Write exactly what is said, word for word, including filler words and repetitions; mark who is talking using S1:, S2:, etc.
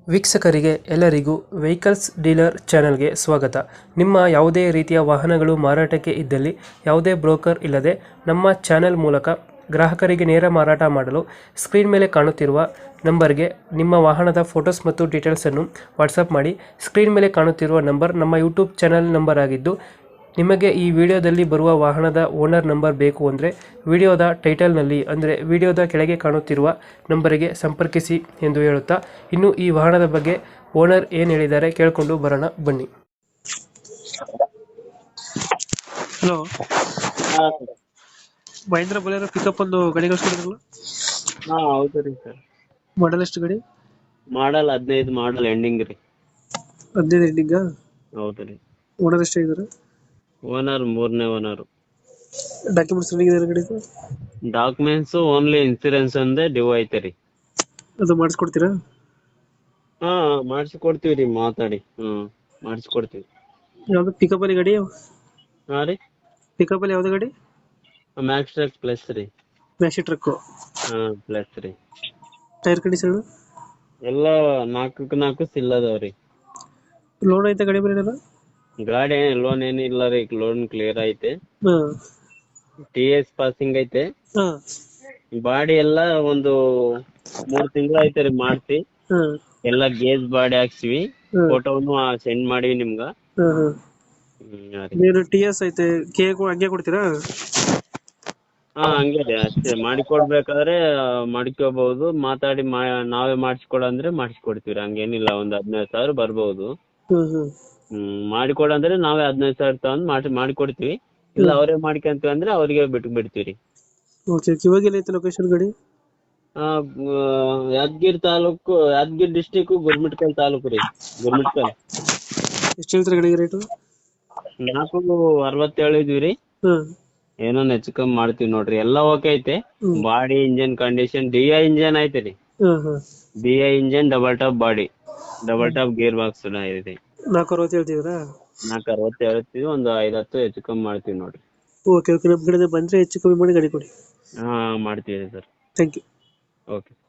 S1: ವೀಕ್ಷಕರಿಗೆ ಎಲ್ಲರಿಗೂ vehicles dealer ಚಾನೆಲ್ಗೆ ಸ್ವಾಗತ. ನಿಮ್ಮ ಯಾವುದೇ ರೀತಿಯ ವಾಹನಗಳು ಮಾರಾಟಕ್ಕೆ ಇದ್ದಲ್ಲಿ ಯಾವುದೇ ಬ್ರೋಕರ್ ಇಲ್ಲದೆ ನಮ್ಮ ಚಾನೆಲ್ ಮೂಲಕ ಗ್ರಾಹಕರಿಗೆ ನೇರ ಮಾರಾಟ ಮಾಡಲು ಸ್ಕ್ರೀನ್ ಮೇಲೆ ಕಾಣುತ್ತಿರುವ ನಂಬರ್ಗೆ ನಿಮ್ಮ ವಾಹನದ ಫೋಟೋಸ್ ಮತ್ತು ಡೀಟೇಲ್ಸನ್ನು ವಾಟ್ಸಪ್ ಮಾಡಿ. ಸ್ಕ್ರೀನ್ ಮೇಲೆ ಕಾಣುತ್ತಿರುವ ನಂಬರ್ ನಮ್ಮ ಯೂಟ್ಯೂಬ್ ಚಾನೆಲ್ ನಂಬರ್ ಆಗಿದ್ದು, ನಿಮಗೆ ಈ ವಿಡಿಯೋದಲ್ಲಿ ಬರುವ ವಾಹನದ ಓನರ್ ನಂಬರ್ ಬೇಕು ಅಂದರೆ ವಿಡಿಯೋದ ಟೈಟಲ್ನಲ್ಲಿ ಅಂದರೆ ವಿಡಿಯೋದ ಕೆಳಗೆ ಕಾಣುತ್ತಿರುವ ನಂಬರಿಗೆ ಸಂಪರ್ಕಿಸಿ ಎಂದು ಹೇಳುತ್ತಾ, ಇನ್ನು ಈ ವಾಹನದ ಬಗ್ಗೆ ಓನರ್ ಏನು ಹೇಳಿದ್ದಾರೆ ಕೇಳಿಕೊಂಡು ಬರೋಣ ಬನ್ನಿ. ಹಲೋ,
S2: ಹಾ
S1: ಮಹೇಂದ್ರ ಬೊಲೆರೋ ಪಿಕಪ್ ಒಂದು ಗಾಡಿ ಕಳಿಸ್ಕೊಡಿದ್ರಲ್ಲ,
S2: ಹಾ ಹೌದು ರೀ ಸರ್.
S1: ಮಾಡಲ್ ಎಷ್ಟು ಗಾಡಿ?
S2: ಮಾಡಲ್ ಹದಿನೈದು ಮಾಡಲ್ ಎಂಡಿಂಗ್ ರೀ.
S1: ಹದಿನೈದು ಎಂಡಿಂಗ.
S2: ಹೌದು ರೀ.
S1: ಓನರ್ ಎಷ್ಟಾಗಿದ್ದಾರೆ?
S2: ಓನರ್ ಮೂರನೇ ಓನರ್.
S1: ಡಾಕ್ಯುಮೆಂಟ್ಸ್ ರನ್ನಿಂಗ್ ಇದೆ ಗಾಡಿದು?
S2: ಡಾಕ್ಯುಮೆಂಟ್ಸ್ ಓನ್ಲಿ ಇನ್ಸೂರೆನ್ಸ್ ಒಂದೇ ಡ್ಯೂ ಐತೆ ರೀ.
S1: ಅದು ಮಾಡಿಸ್ಕೊಡ್ತೀರಾ?
S2: ಹಾ ಮಾಡಿಸಿ ಕೊಡ್ತೀವಿ ರೀ, ಮಾತಾಡಿ. ಹ್ಮ್ ಮಾಡಿಸಿ ಕೊಡ್ತೀವಿ.
S1: ಯಾವ್ದು ಪಿಕಪ್ ಅಲ್ಲಿ ಗಾಡಿ?
S2: ಹಾ ರೀ,
S1: ಪಿಕಪ್ ಅಲ್ಲಿ ಯಾವ್ದು ಗಾಡಿ?
S2: ಮ್ಯಾಕ್ಸ್ ಟ್ರಕ್ ಪ್ಲಸ್ ರೀ.
S1: Maxi truck.
S2: ಹಾ ಪ್ಲಸ್ ರೀ.
S1: ಟೈರ್ ಕಂಡೀಷನ್
S2: ಎಲ್ಲ ನಾಲ್ಕಕ್ಕೆ ನಾಲ್ಕು ಸಿಲ್ ಅದಾವ್ರಿ.
S1: ಲೋನ್ ಐತೆ ಗಾಡಿ ಮೇಲೆ?
S2: ಗಾಡಿ ಲೋನ್ ಏನು ಇಲ್ಲ ರೀ, ಲೋನ್ ಕ್ಲಿಯರ್ ಐತೆ.
S1: ಹಾ
S2: ಟಿ ಎಸ್ ಪಾಸಿಂಗ್ ಐತೆ.
S1: ಹಾ
S2: ಬಾಡಿ ಎಲ್ಲ ಒಂದು ಮೂರ್ ತಿಂಗಳು ಐತೆ ರೀ ಮಾಡ್ಸಿ.
S1: ಹಾ
S2: ಎಲ್ಲ ಗೇಜ್ ಬಾಡಿ ಹಾಕ್ಸಿವಿ,
S1: ಹಾ
S2: ಫೋಟೋನು ಸೆಂಡ್ ಮಾಡಿವಿ ನಿಮ್ಗ.
S1: ಹಾ ಹಾ
S2: ಹ್ಮ್, ಹಾ ರೀ.
S1: ನೀನು ಟಿ ಎಸ್ ಐತೆ, ಕೆ ಹಂಗೆ ಕೊಡ್ತೀರಾ?
S2: ಹಾ ಹಂಗೆ ರೀ, ಅಷ್ಟೇ. ಮಾಡಿಕೊಡ್ಬೇಕಾದ್ರೆ ಮಾಡ್ಕೋಬಹುದು, ಮಾತಾಡಿ ಮಾ ನಾವೇ ಮಾಡಿಸ್ಕೊಡ ಅಂದ್ರೆ ಮಾಡಿಸ್ಕೊಡ್ತೀವಿ. ಹಂಗೇನಿಲ್ಲ, ಒಂದ್ ಹದಿನೈದು ಸಾವಿರ ಬರ್ಬೋದು.
S1: ಹ್ಮ್ ಹ್ಮ್
S2: ಹ್ಮ್ ಮಾಡಿಕೊಡಂದ್ರೆ ನಾವೇ ಹದಿನೈದು ಸಾವಿರ ತಗೊಂಡ್ ಮಾಡಿ ಮಾಡಿಕೊಡ್ತೀವಿ. ಇಲ್ಲ ಅವರೇ ಮಾಡ್ಕೊಂತೀವಿ ಅಂದ್ರೆ ಅವ್ರಿಗೆ ಬಿಟ್ಟು ಬಿಡ್ತೀವಿ.
S1: ಓಕೆ. ಇವಾಗ ಏನೈತೆ ಲೊಕೇಶನ್ ಗಾಡಿ?
S2: ಆ ಯಾದಗಿರಿ ತಾಲೂಕು, ಯಾದಗಿರಿ ಡಿಸ್ಟಿಕ್, ಗುರ್ಮಿಟ್ಕಲ್ ತಾಲೂಕು ರೀ. ಗುರ್ಮಿಟ್ಕಲ್.
S1: ಎಷ್ಟು ಹೇಳ್ತಾರೆ ಗಾಡಿಗೆ ರೇಟು?
S2: ನಾಲ್ಕು ಅರವತ್ತೇಳು ಇದೀವಿ ರೀ.
S1: ಹ್ಮ್
S2: ಏನೋ ಹೆಚ್ಚು ಕಮ್ಮಿ ಮಾಡ್ತೀವಿ ನೋಡ್ರಿ. ಎಲ್ಲ ಓಕೆ ಐತೆ.
S1: Hmm.
S2: Body engine condition D I engine ಐತೆ ರೀ.
S1: Hmm hmm
S2: D I engine, double top body, double top gear box ಇದೆ.
S1: ನಾಲ್ಕು ಅರವತ್ತು ಹೇಳ್ತಿದ್ದೀರಾ?
S2: ನಾಲ್ಕು ಅರವತ್ತು ಹೇಳ್ತೀವಿ, ಒಂದು ಐದು ಹತ್ತು ಹೆಚ್ಚು ಕಮ್ಮಿ ಮಾಡ್ತೀವಿ ನೋಡ್ರಿ.
S1: Okay okay. ನಮ್ಮ ಕಡೆ ಬಂದರೆ ಹೆಚ್ಚು ಕಮ್ಮಿ ಮಾಡಿ ಗಾಡಿ ಕೊಡಿ.
S2: ಹಾ ಮಾಡ್ತೀವಿ ಸರ್.
S1: Thank you.
S2: ಓಕೆ.